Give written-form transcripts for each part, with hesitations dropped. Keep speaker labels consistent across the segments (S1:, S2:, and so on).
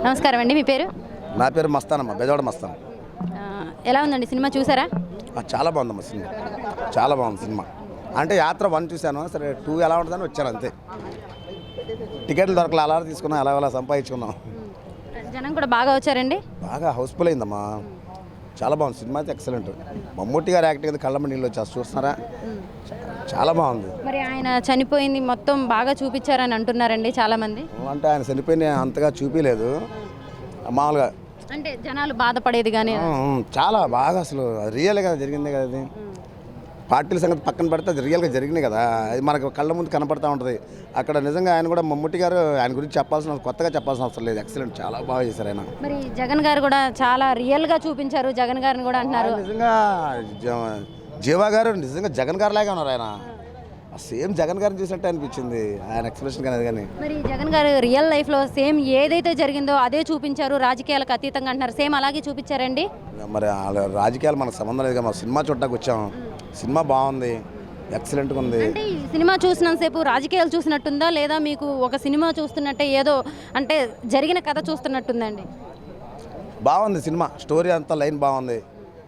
S1: నమస్కారం అండి, మీ పేరు?
S2: నా పేరు మస్తానమ్మ, బెజవాడ మస్తాన్.
S1: ఎలా ఉందండి సినిమా, చూసారా?
S2: చాలా బాగుందమ్మా సినిమా, చాలా బాగుంది సినిమా. అంటే యాత్ర 1 చూశాను, సరే 2 ఎలా ఉంటుందని వచ్చాను అంతే. టికెట్లు దొరకలే, అలా తీసుకున్నాం, అలా సంపాదించుకున్నాం.
S1: జనం కూడా బాగా వచ్చారండి,
S2: బాగా హౌస్ఫుల్ అయిందమ్మా. చాలా బాగుంది సినిమా అయితే, ఎక్సలెంట్. మమ్మూటి గారు యాక్టింగ్ అయితే కళ్ళమ్మ నీళ్ళు వచ్చేసి చూస్తున్నారా, చాలా బాగుంది.
S1: మరి ఆయన చనిపోయింది మొత్తం బాగా చూపించారని అంటున్నారండి చాలామంది.
S2: అంటే ఆయన చనిపోయిన అంతగా చూపించలేదు, మామూలుగా
S1: అంటే జనాలు బాధపడేది కానీ
S2: చాలా బాగా అసలు రియల్గా జరిగింది కదా. అది పార్టీల సంగతి పక్కన పెడితే అది రియల్గా జరిగినాయి కదా, అది మనకు కళ్ళ ముందు కనపడతా ఉంటుంది. అక్కడ నిజంగా ఆయన కూడా మమ్ముట్టి గారు ఆయన గురించి కొత్తగా చెప్పాల్సిన అవసరం లేదు, ఎక్సలెంట్, చాలా బాగా చేశారు ఆయన.
S1: మరి జగన్ గారు కూడా చాలా రియల్గా చూపించారు, జగన్ గారిని కూడా అంటున్నారు.
S2: నిజంగా జీవా గారు నిజంగా జగన్ గారు లాగా ఉన్నారు, ఆయన సేమ్ జగన్ గారిని చూసినట్టే అనిపించింది ఆయన ఎక్స్ప్రెషన్ కానీ. కానీ
S1: మరి జగన్ గారు రియల్ లైఫ్లో సేమ్ ఏదైతే జరిగిందో అదే చూపించారు, రాజకీయాలకు అతీతంగా అంటున్నారు, సేమ్ అలాగే చూపించారండి.
S2: మరి రాజకీయాలు మనకు సంబంధం లేదు కదా, మన సినిమా చూడటానికి వచ్చాం. సినిమా బాగుంది, ఎక్సలెంట్గా ఉంది.
S1: అంటే ఈ సినిమా చూసినంతసేపు రాజకీయాలు చూసినట్టుందా, లేదా మీకు ఒక సినిమా చూస్తున్నట్టే ఏదో అంటే జరిగిన కథ చూస్తున్నట్టుందండి?
S2: బాగుంది సినిమా, స్టోరీ అంతా లైన్ బాగుంది.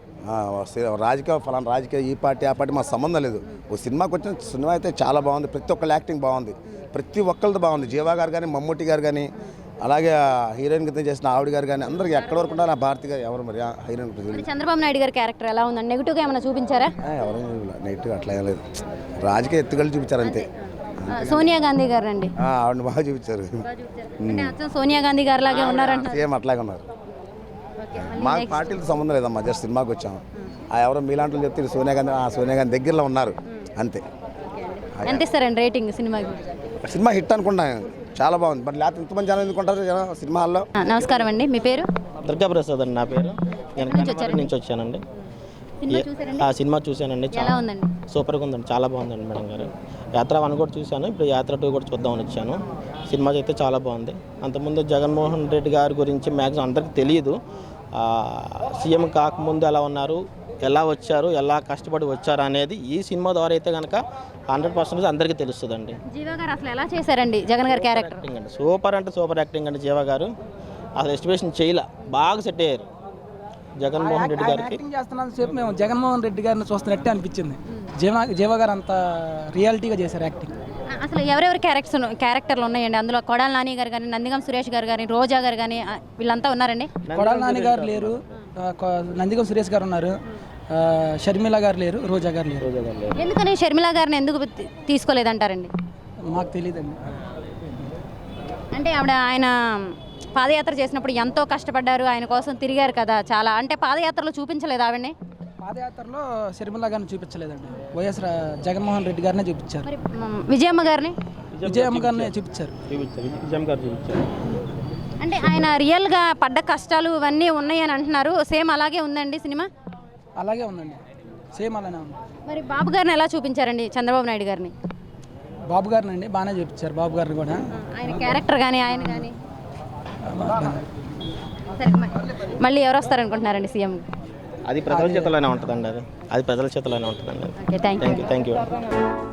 S2: ఫలానా రాజకీయ ఈ పార్టీ ఆ పార్టీ మాకు సంబంధం లేదు. ఓ సినిమాకి వచ్చిన సినిమా అయితే చాలా బాగుంది, ప్రతి ఒక్కళ్ళ యాక్టింగ్ బాగుంది, ప్రతి ఒక్కరిది బాగుంది. జీవా గారు కానీ, మమ్ముట్టి గారు కానీ, అలాగే హీరోయిన్ కింద చేసిన ఆవిడ గారు కానీ, అందరికి ఎక్కడ వరకు ఉండాలి. ఆ భారతి గారు ఎవరు మరి హీరోయిన్?
S1: చంద్రబాబు నాయుడు గారి క్యారెక్టర్ ఎలా ఉందండి? నెగిటివ్గా ఏమైనా చూపించారా?
S2: ఎవరు నెగిటివ్ అట్లా ఏం లేదు, రాజకీయ ఎత్తుగళ్ళు చూపించారు అంతే.
S1: సోనియా గాంధీ గారు అండి,
S2: ఆవిడని బాగా చూపించారు.
S1: సోనియా గాంధీ గారు లాగే ఉన్నారంట,
S2: సేమ్ అట్లాగే ఉన్నారు. మాకు పార్టీలతో సంబంధం లేదమ్మా, జస్ట్ సినిమాకి వచ్చాము. ఎవరో మీలాంటి చెప్తే సోనియా గాంధీ దగ్గరలో ఉన్నారు అంతే.
S1: ఎంత ఇస్తారండి రేటింగ్ సినిమాకి?
S2: సినిమా హిట్ అనుకుంటాను, చాలా బాగుంది. బట్ లేకపోతే ఇంతమంది జనం ఎందుకుంటారు సినిమా హాల్లో.
S1: నమస్కారం అండి, మీ పేరు?
S3: దుర్గాప్రసాద్ అండి నా పేరు. నేను నుంచి వచ్చానండి. ఆ సినిమా చూశానండి, చాలా సూపర్గా ఉందండి, చాలా బాగుందండి మేడం గారు. యాత్ర 1 కూడా చూశాను, ఇప్పుడు యాత్ర 2 కూడా చూద్దామని వచ్చాను. సినిమా అయితే చాలా బాగుంది. అంతకుముందు జగన్మోహన్ రెడ్డి గారి గురించి మ్యాక్సిమం అందరికీ తెలియదు. సీఎం కాకముందు ఎలా ఉన్నారు, ఎలా వచ్చారు, ఎలా కష్టపడి వచ్చారు అనేది ఈ సినిమా ద్వారా అయితే కనుక 100% అందరికీ తెలుస్తుందండి.
S1: జీవా గారు అసలు ఎలా చేశారండి జగన్ గారి క్యారెక్టర్?
S3: యాక్టింగ్ అండి, సూపర్ అంటే సూపర్ యాక్టింగ్ అండి. జీవా గారు అసలు ఎస్టిమేషన్ చేయలే, బాగా సెట్ అయ్యారు జగన్మోహన్ రెడ్డి గారికి.
S4: యాక్టింగ్ చేస్తున్నంత సేపు మేము జగన్మోహన్ రెడ్డి గారిని చూస్తున్నట్టే అనిపించింది. జీవా గారు అంత రియాలిటీగా చేశారు యాక్టింగ్.
S1: అసలు ఎవరెవరి క్యారెక్టర్లు ఉన్నాయండి అందులో? కొడాల నాని గారు కానీ, నందిగం సురేష్ గారు కానీ, రోజా గారు కానీ, వీళ్ళంతా ఉన్నారండి.
S4: కొడాల నాని గారు లేరు, నందిగం సురేష్ గారు ఉన్నారు, షర్మిల గారు లేరు, రోజా గారు లేరు.
S1: ఎందుకని షర్మిల గారిని ఎందుకు తీసుకోలేదంటారండి?
S4: మాకు తెలియదండి.
S1: అంటే ఆయన పాదయాత్ర చేసినప్పుడు ఎంతో కష్టపడ్డారు, ఆయన కోసం తిరిగారు కదా చాలా. అంటే పాదయాత్రలో చూపించలేదు ఆవిడని?
S4: పాదయాత్రలో షర్మిల గారిని చూపించలేదండి, వైఎస్ జగన్మోహన్ రెడ్డి గారినే చూపించారు.
S1: విజయమ్మ గారిని
S4: చూపించారు.
S1: అంటే ఆయన రియల్గా పడ్డ కష్టాలు ఇవన్నీ ఉన్నాయని అంటున్నారు, సేమ్ అలాగే ఉందండి సినిమా?
S4: అలాగే ఉందండి, సేమ్ అలానే ఉంది.
S1: మరి బాబు గారిని ఎలా చూపించారండి చంద్రబాబు నాయుడు గారిని?
S4: బాబు గారిని అండి బాగానే చూపించారు, బాబు గారిని కూడా.
S1: ఆయన క్యారెక్టర్ కానీ ఆయన కానీ. సరే, మళ్ళీ ఎవరు వస్తారనుకుంటున్నారండి సీఎం?
S3: అది ప్రజల చేతిలోనే ఉంటుందండి, అది ప్రజల చేతిలోనే ఉంటుందండి.
S1: Okay, thank you.